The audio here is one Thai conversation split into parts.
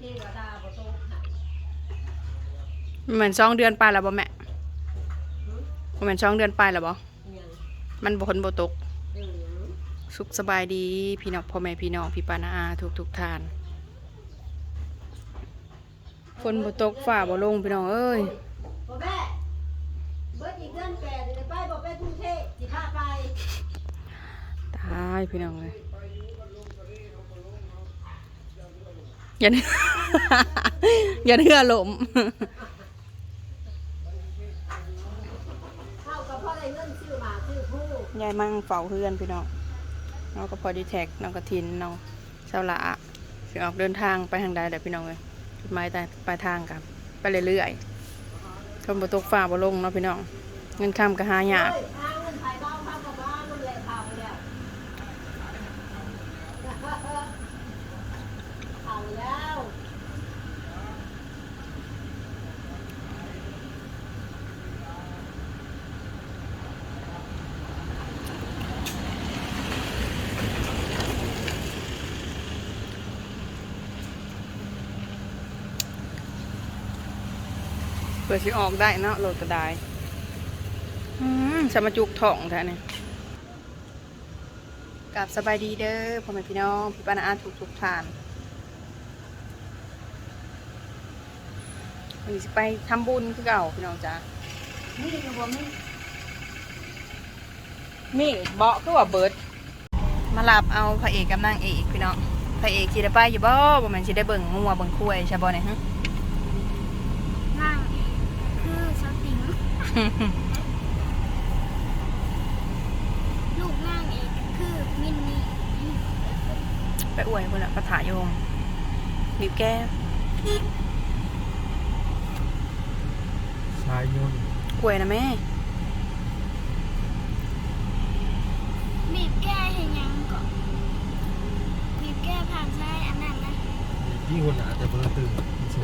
เหมือน2 เดือนไปแล้วบ่แม่เหมือน2 เดือนไปแล้วบ่มันบ่คนบ่ตกสุขสบายดีพี่น้องพ่อแม่พี่น้องพี่ปานาอาทุกท่านฝนบ่ตกฟ้าบ่ลงพี่น้องเอ้ยตายพี่น้องเลยอย่าอย่าเหือหลมยายมั่งเฝ้าเพื่อนพี่น้องน้องก็พอดีแท็กน้องกระทินน้องเช้าละสิออกเดินทางไปทางใดแต่พี่น้องเลยจุดหมายปลายทางกับไปเรื่อยๆคนบ่ตกฟ้าบ่ลงเนาะพี่น้องเงินค่ำก็หายากเปิดสิออกได้เนาะโหลดก็ได้สมาจุกถ่องแท้เนี่ยกับสบายดีเด้อพ่อแม่พี่น้องพี่ปานาอาทุกท่านวันนี้สิไปทำบุญคือเก่าพี่น้องจ้ามีดบ่มีดเบาะคือว่าเบิดมาลับเอาพระเอกกับนางเอกพี่น้องพระเอกสิได้ไปอยู่บ่บ่แม่นสิได้เบิ่งงัวเบิ่งควายใช่บ่เนี่ยฮะนางคือสติงลูกนางเอกคือมินนี่ไปอวยคนละประถาโยงบิวแก้ชายยนกล้วยนะแม่บีบแก้เห็นยังก่อนบีบแก้ผ่านใช้อันนั้นนะที่คนหนาแต่เพิ่งตื่น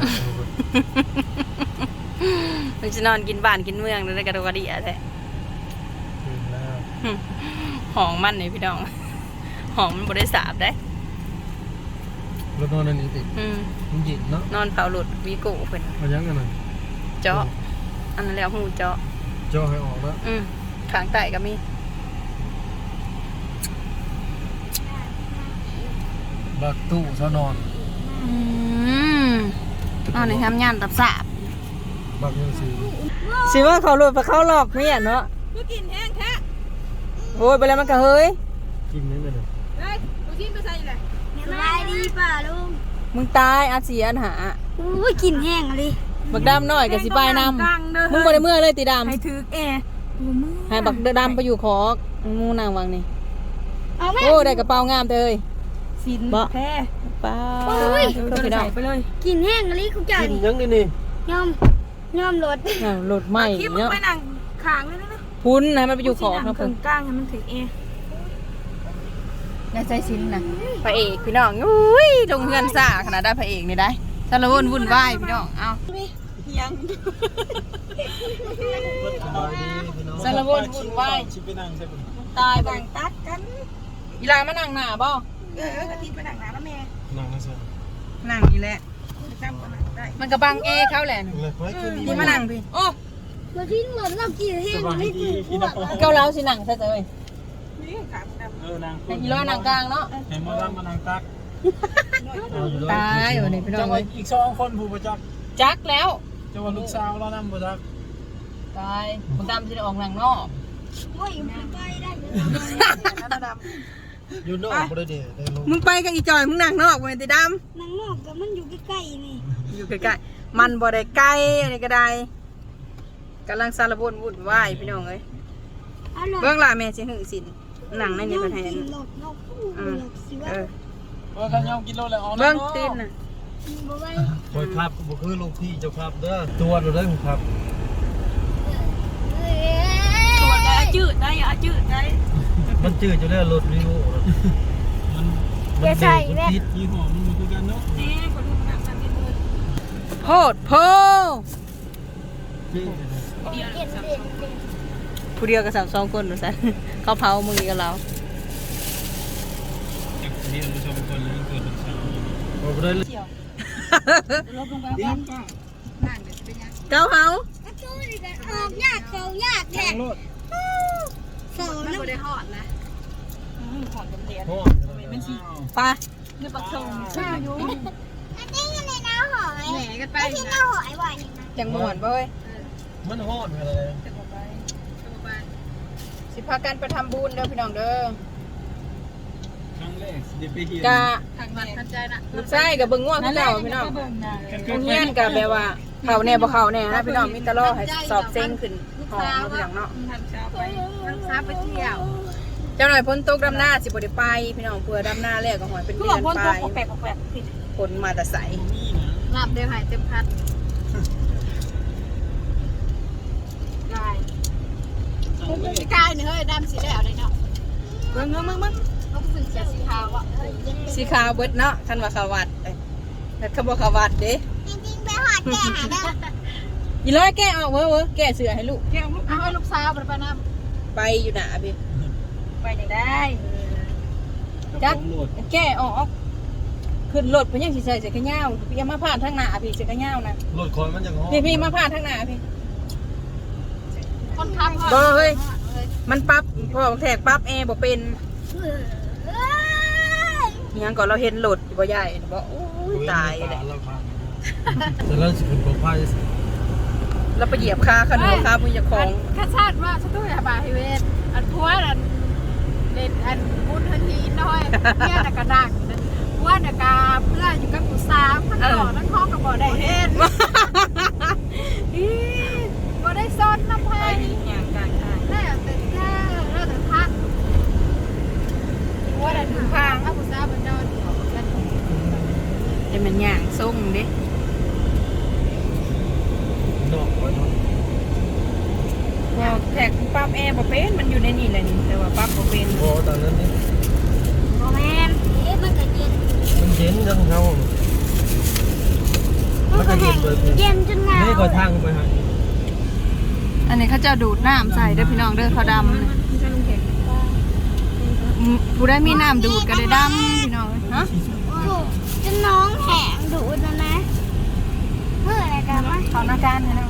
มันจะนอนกินบ้านกินเมืองได้กระโดดกระดิ่งแท้ตื่นแล้วหองมันเลยพี่น้องหองมันบริสาบได้รถนอนอันนี้ติดมันหยิบเนาะนอนเผาหลุดวีโก้เพิ่นมายังกันหน่อยเจาะอันนั้นแล้วหูเจาะให้ออกแล้วขางไต่ก็มีบักตู้ซะนอนนอนในทำงานตับสาบบักยังสิว่าเขาหลุดไปเข้าหลอกเมียเนาะกูกินแห้งแท้โอ้ยไปแล้วมันก็เฮ้ยกินนี่เลยเฮ้ยกูชิมไปใส่เลยสบายดีป่ะลุงมึงตายอาเสียนหาอุ้ยกินแห้งเลยบักดำหน่อยกับสิปายนำมึงบ่ได้เมื่อเลยตีดำให้ถือให้บักดำไปอยู่ของูนางวังนี่โอ้ได้กระเป๋างามเลยสินแท้ป้าไปใส่ไปเลยกินแห้งเลยคุณจ่ากินยังนี่ยอมรถรถใหม่เนาะไปนั่งขางเลยนะพุ้นนะมันไปอยู่ขอครับผมกลางให้มันถือในใจสินนะพระเอกพี่น้องอุ้ยลงเงินซ่าขนาดได้พระเอกนี่ได้สารวนวุ่นวายพี่น้องเอายังสารวนวุ่นวายตายบังตัดกันอีลามานั่งหน้าบ่กะทิไปนั่งหน้าแล้วแม่นั่งนั่นสินั่งนี่แหละมันกระบังเขาแหละนี่มานั่งพี่โอ้มาทิ้งเหมือนเรากินแห้งไม่ถูกเกาเหลาสินั่งใช่ไหมนี่ขาดนางอีล้อนั่งกลางเนาะเห็นมาดามมานั่งตักตายวันนี้พี่น้องอีก2 คนผู้ประจักษ์จักแล้วจะว่าลูกสาวเรานำประจักษ์ตายมึงดำจะได้ออกหนังนอกโอ้ยมันไปได้อยู่นอกบ่ได้เด้มึงไปกับอีจอยมึงนั่งนอกเว้ยตีดำนั่งนอกแต่มันอยู่ใกล้ๆนี่อยู่ใกล้ๆมันบ่ได้ใกล้อะไรก็ได้กำลังสารบวุ่นวายพี่น้องเอ้ยเบื้องหลังแม่สิหึงสินหนังในนี้ประเทศกันยอมกินโลแล้วอ๋อเบื้องตีนน่ะคอยครับบ่คือลูกพี่เจ้าครับเด้อตัวเราได้ครับตัวได้จืดได้จืดได้มันจืดอยู่แล้วรถรีโวมันใส่แม่ยี่ห้อมันคือกันเนาะนี่คนดูหนังกันนี่เลยโพดโพผู้เดียวกับ2 คนหนูสันเขาเผามือกับเราเรียนผู้ชมคนเลยเกิดเป็นชาวโอ้ได้เลยลบลงไปบ้านก็นั่งเดี๋ยวจะเป็นยังเก้าเฮาก็ตู้ดิกันออกยากเขายากแท้ทางรถโซ่มันน้ำไม่ได้หอดนะหอดจำเนียนพ่อเป็นสีไปเนื้อปักทงใช่อยู่อันนี้ยังในน้ำหอยแหนกันไปไอ้ที่น้ำหอยบ่อยนี่นะจังม่วนเว้ยมันฮอดอะไรจะบอกไปจะบอกไปสิพากันไปทำบุญเด้อพี่น้องเด้อครั้งแรกเดี๋ยวไปเห็นกะทางบ้านทันใจนะลูกชายกับเบิ่งง่วงคือเก่าพี่น้องเบิ่งนะโรงเรียนกับแบบว่าเขาแน่บ่เขาแน่นะพี่น้องมีแตลอให้สอบเซ็งขึ้นหอมมาพี่น้องเนาะทางเช้าไปทางเช้าไปเที่ยวเจ้าหน่อยพ้นตกดำหน้าสิบ่ได้ไปพี่น้องเพื่อดำหน้าแล้วก็หอยเป็นคือเดืบออก นพ่นไปตัวแปลกแปลกผิดผลมาแต่ใสนี่นะหลับเดี๋ยวหายเต็มพัดได้ครั้งแรกพี่กายเนี่ยเฮ้ยดำสีแล้วเลยเนาะเบิ่งมึงต้องสึกเสียสีขาวอ่ะสีขาวเบิดเนาะคันว่าขาววัดแต่เขาบ่ขาววัดเด้จริงๆไปหอดแก่หาได้อีร้อยแก้ออกเว้อแก้เสือให้ลูกแก้วลูกเอาให้ลูกสาวไปน้ไปอยู่หน้าพี่ำไปยังได้จักตำรวจแก้ออกขึ้นรถเพิ่นยังสิใส่เสื้อแขนยาวพี่อย่ามาผ่านทางหน้าพี่เสื้อแขนยาวนะรถคอยมันยังฮอดพี่มาผ่านทางหน้าพี่คนขับบ่เฮ้ยมันปรับพอแทกปรับแอร์บ่เป็นเอ้ยอิหยังก่อนเราเห็นรถบ่ใหญ่บ่โอ้ยตายเลยแล้วพังแต่เราสิเป็นปลอดภัยเราไปเหยียบคาขนมคามือเจ้าของข้าชาติว่าฉันต้องอย่าบาฮิเวสอันพัวอันเด่นอันบุญทันทีน้อยเนี่ยนักกระดักว่านักกาเพื่ออยู่กับกูสาวมันต่อทั้งห้องกับบ่ได้เห็นบ่ได้ซ้อนน้ำไผ่อย่างการทางแล้วแต่แค่แล้วแต่พักว่าแต่ถึงทางถ้ากูสาวมันนอนอยู่กันจะเป็นอย่างส่งเด้นอกไว้เนาะพอแทกปรับแอร์บ่เป็นมันอยู่ในนี่แหละนี่แต่ว่าปรับบ่เป็นพอตอนนั้นนี่โมแมนเอ๊ะมันก็เย็นมันเย็นจังเขามันก็แห้งเย็นจนหนาวนี่ก็ทางไปหาอันนี้เขาจะดูดน้ำใส่เด้อพี่น้องเด้อเขาดำนะผู้ได้มีน้ำดูดก็ได้ดำพี่น้องฮะถูกจนน้องแห้งดูดแล้วนะเพื่ออะไรกันวะขอหน้าการให้น้อง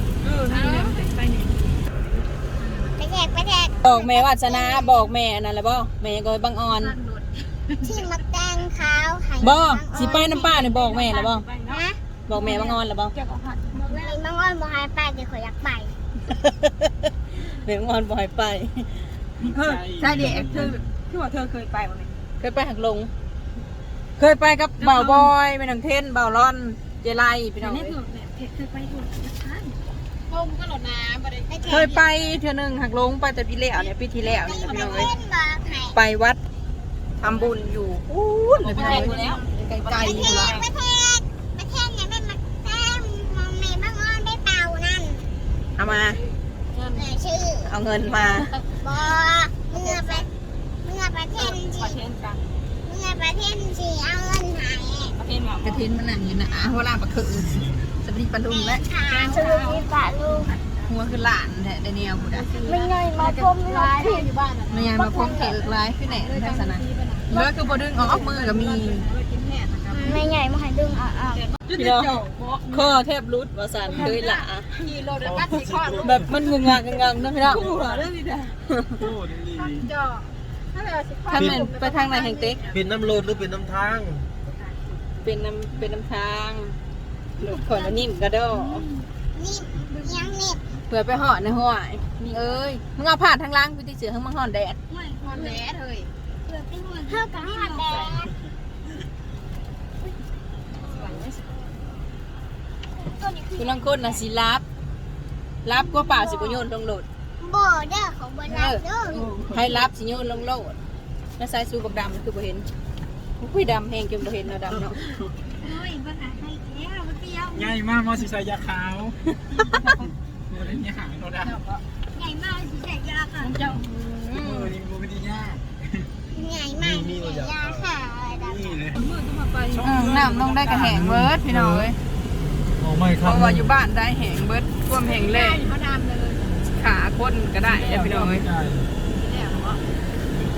ไปแทกบอกแม่วาสนาบอกแม่นั่นแหละบ่แม่ก็บังออนที่มาแตงขาวไข่บ่สิไปน้ำป้านี่บอกแม่แล้วบ่นะบอกแม่บังออนแล้วบ่มีบางอ้อนบางไฮไปเดี๋ยวขออยากไปแม่บังออนบ่ให้ไปใช่เด็กเธอที่ว่าเธอเคยไปบ้างไหมเคยไปหักลง เคยไปกับบ่าวบอยแม่นางเทนบ่าวร่อนเจไลพี่น้องนี่คือเคยไปถูกท่านพงก็หลดน้ำไปเลยเคยไปเทื่อนึงหักลงไปแต่ปีแล้วเนี่ยปีที่แล้วนี่พี่น้องเอ้ยเล่นบอกไข่ไปวัดทำบุญอยู่อู้เลยพี่น้องเอ้ยไกลๆนี่ละประเทศเนี่ยไม่มาแต้มมองเมย์บางอ้อนได้เป่านั่นเอามาชื่อเอาเงินมาบอเมื่อประเทศประเทศกลางเมื่อประเทศสีเอาเงินหายประเทศแบบกระทินมันนั่งอยู่นะหัวลานปลาคือสวัสดีปลาดุงและขาวชื่อที่ปะลูกหัวคือหลานแท้เดเนียลบุดะไม่เงยมาพรมไม่ร้ายที่อยู่บ้านมันยังมาพร้อมเถือกลายขึ้นแหน่ในทัศนะเลือคือบ่ดึงออกมือก็มีกินแห่นะครับไม่ใหญ่มาให้ดึงออกพี่น้องข้อแทบรุดว่าสันเคยหลาขี่รถบัสสีข้อลูกแบบมันงงงักงังนะพี่น้องคู่เหรอเรื่องนี้เด้อโอ้ดีจ่อถ้าเราสิข้อถ้ามันไปทางไหนแห่งเต็กเป็นน้ำรถหรือเป็นน้ำทางเป็นน้ำทางหลุดขอนนิ่มกระโดดนี่ยังนี่เผื่อไปห่อในห้วยนี่เอ้ยมึงเอาผ่านทางล่างไปที่เสือข้างมังห่อนแดดไม่ฮอนแหลเลยเท่ากับหัดแดดคุณลังคนนะสิรับก็เปล่าสิบโยนลงโหลดบ่เด้อของบ่รับเด้อให้รับสิโยนลงโหลดแล้วใส่สูกับดำคือบ่เห็นอุ้ยดำแห้งจนบ่เห็นเนาะดำเนาะโอ้ยบ่หาให้แล้วบ่เตี้ยวง่ายมากมอสิใส่ยาขาวโมเดลนี้หางเราได้ใหญ่มากสิใส่ยาค่ะเจ้านี่โมเดลยากใหญ่มากสิใส่ยาค่ะดำนี่เลยมือก็มาไปน้ำต้องได้กระแหงเบิร์ดพี่น้องเอ้ยออกไม่คเพรับราะว่าอยู่บ้านได้แหงเบิร์ดท่วมแหงแรงเขาดำเลยขาคนก็ได้เด้อพี่น้องเอ้ยแล้วเนาะ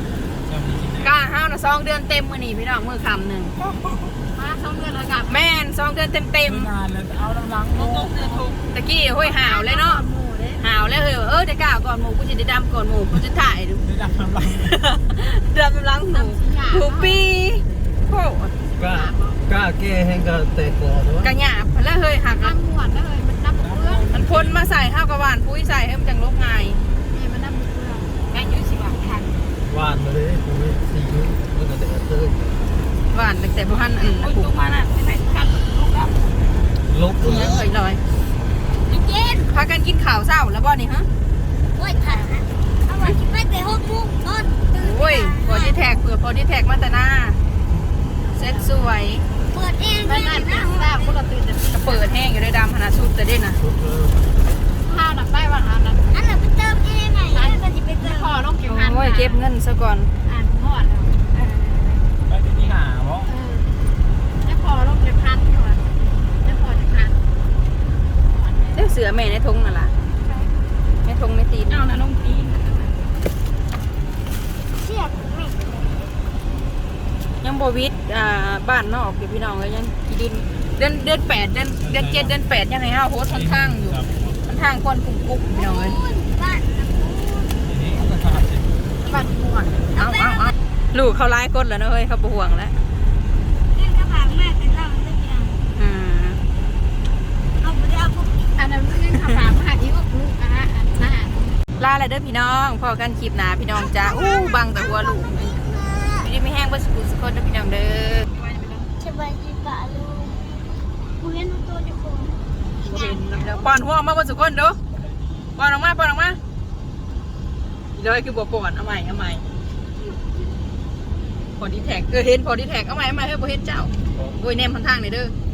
กล้าห้าวนะ2 เดือนเต็มมื้อนี้พี่น้องมื้อคำหนึ่งมา2 เดือนแล้วกับแม่น 2 เดือนเต็มงานแล้วเอาหลังๆตะกี้ห้ยหาวเลยเนาะหมู่เด้หาวแล้วได้กล้าก่อนหมู่กูสิได้ดำก่อนหมู่กูจะถ่ายดูได้ดับน้ำหลังดำลังหูปีโอ้กล้าแก้แห้งก็แตกก่อนวะกระหยาบแล้วเฮ้ยหักน้ำหวนเลยมันน้ำเพื่อนมันพ่นมาใส่ข้าวกระหวานปุ้ยใส่ให้มันจังลบง่ายนี่มันน้ำเพื่อนแม่ยุ่สิบาททันหวานมาเลยผมไม่ซีอิ๊วแล้วก็แดดเตยหวานตั้งแต่พันผูกมาน่ะไม่ใส่กันลูกครับลบเลเงี้ยยเคยลอยไอ้เจนพากันกินข่าวเศร้าแล้วบ่นี่ฮะโอ้ยถ่ายเอาไว้ที่ไปแต่6 โมงก่อนตื่นโอ้ยพอดีแท็กเผื่อพอดีแท็กมาแต่หน้าเซ็ตสวยเปิดเองไม่น่าตื่นทราบพวกเราตื่นแต่กระเปิดแห้งอยู่ในดำขนาดชุดจะได้นะชุดเลยข้าวหนักได้วันอันนั้นอันนั้นไปเติมเองไงอันนั้นจะไปเติมพอลงเก็บพันโอ้ยเก็บเงินซะก่อนอ่านพอดแล้วไปที่หาเพราะได้พอลงเก็บพันก่อนได้พอจะพันเลือกเสือแม่ในทงนั่นล่ะในทงในตีนเอานะลงตีนเชือกไม่ยังบวิดบ้านนอกอยู่พี่น้องเลยยังกี่ดินเดือน 8 เดือน 7 เดือน 8ยังไงห้าโฮสค่อนข้างอยู่ค่อนข้างคนกลุ่มพี่น้องเลยพูดบ้านนะพูดทีนี้ก็ขาดสิบัตรห่วงเอาลูกเขาไล่กดแล้วนะเฮ้ยเขาบห่วงแล้วเรื่องกระถางมากแต่เราไม่ได้อืมเอาไปเอาพวกอันนั้นเรื่องคำถามหาอีกลูกอันหน้าลาอะไรเด้อพี่น้องพอกันคลิปหนาพี่น้องจ้าบังแต่หัวลูกพี่ไม่แห้งเบอร์สกุลสกลเด้อพี่น้องเด้อสบายดีป่ะลูกกูเห็นตัวจะโกงป้อนหัวออกมาเบอร์สกุลดูป้อนออกมาเลยคือบัวป้อนเอาใหม่พอดีแท็กเห็นพอดีแท็กเอาใหม่เฮ้ยบ่เห็นเจ้าโอ้ยแนมทางๆนี่เด้อ